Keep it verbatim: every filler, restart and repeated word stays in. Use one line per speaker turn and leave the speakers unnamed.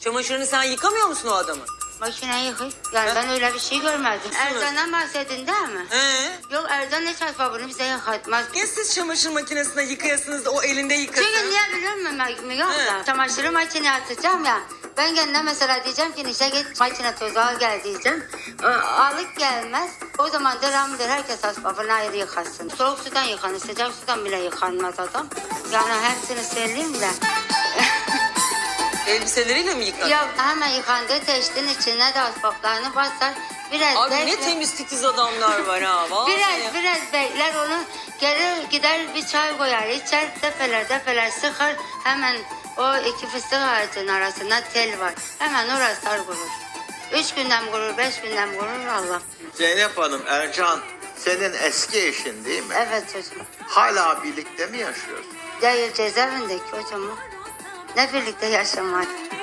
Çamaşırını sen yıkamıyor musun o adamı?
Makine yıkıyor. Yani
Ha?
ben öyle bir şey görmedim. Erdoğan'dan bahsedin değil mi?
He?
Yok, Erdoğan hiç asbabını bize yıkatmaz.
Niye siz çamaşır makinesine yıkayasınız da o elinde yıkasın?
Çünkü niye biliyor musun Müge abla?
He.
Çamaşırı makineye atacağım ya. Ben kendine mesela diyeceğim ki Nişe git makine tozu al gel diyeceğim. Ee, Alıp gelmez. O zaman devamlıdır herkes asbabını ayrı yıkasın. Soğuk sudan yıkanır, sıcak sudan bile yıkanmaz adam. Yani hepsini söyleyeyim de.
Elbiseleriyle mi yıkar?
Ya hemen yıkandığı teştin içine de asbaplarını basar. Biraz
Abi ne
bekler.
temiz titiz adamlar var ha. Vallahi.
Biraz biraz bekler onu, geri gider bir çay koyar içer, defeler defeler sıkar, hemen o iki fıstık ağacının arasında tel var, hemen orası dar kurur. Üç günden kurur, beş günden kurur Allah.
Zeynep Hanım, Ercan senin eski eşin değil mi?
Evet çocuğum.
Hala birlikte mi yaşıyorsun?
Değil, cezaevindeki hocam o. Ne birlikte yaşamak.